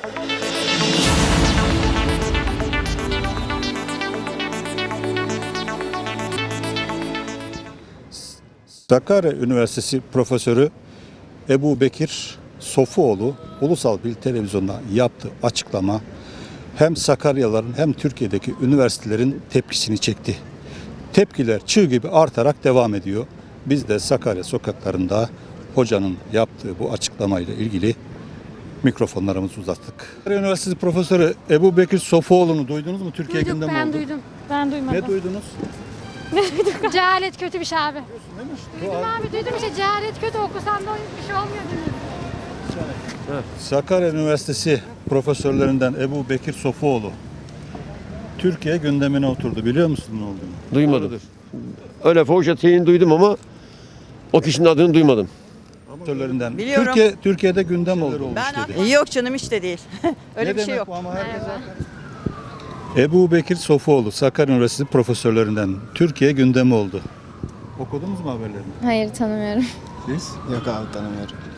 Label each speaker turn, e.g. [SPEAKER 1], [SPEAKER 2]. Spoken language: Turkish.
[SPEAKER 1] Sakarya Üniversitesi Profesörü Ebu Bekir Sofuoğlu Ulusal Bir Televizyon'da yaptığı açıklama hem Sakaryalıların hem Türkiye'deki üniversitelerin tepkisini çekti. Tepkiler çığ gibi artarak devam ediyor. Biz de Sakarya sokaklarında hocanın yaptığı bu açıklamayla ilgili mikrofonlarımızı uzattık. Sakarya Üniversitesi Profesörü Ebu Bekir Sofuoğlu'nu duydunuz mu? Türkiye
[SPEAKER 2] Duyduk,
[SPEAKER 1] gündemi
[SPEAKER 2] ben
[SPEAKER 1] oldu.
[SPEAKER 2] duydum. Ben duymadım.
[SPEAKER 1] Ne duydunuz?
[SPEAKER 2] Cehalet kötü bir şey abi.
[SPEAKER 1] Neymiş?
[SPEAKER 2] Duydum abi, duydum işte cehalet kötü, okusan da bir şey olmuyor dedim.
[SPEAKER 1] Sakarya Üniversitesi profesörlerinden Ebu Bekir Sofuoğlu Türkiye gündemine oturdu. Biliyor musun ne olduğunu?
[SPEAKER 3] Duymadım. Öyle fuhuş şeyini duydum ama o kişinin adını duymadım.
[SPEAKER 1] Profesörlerinden.
[SPEAKER 4] Biliyorum.
[SPEAKER 1] Türkiye'de gündem olmuş dedi.
[SPEAKER 4] Yok canım hiç de değil. Öyle
[SPEAKER 1] Ne
[SPEAKER 4] bir şey
[SPEAKER 1] demek
[SPEAKER 4] yok.
[SPEAKER 1] bu ama herkes- Ebu Bekir Sofuoğlu Sakarya Üniversitesi profesörlerinden Türkiye gündemi oldu. Okudunuz mu haberlerini?
[SPEAKER 5] Hayır tanımıyorum.
[SPEAKER 1] Siz?
[SPEAKER 6] Yok abi tanımıyorum.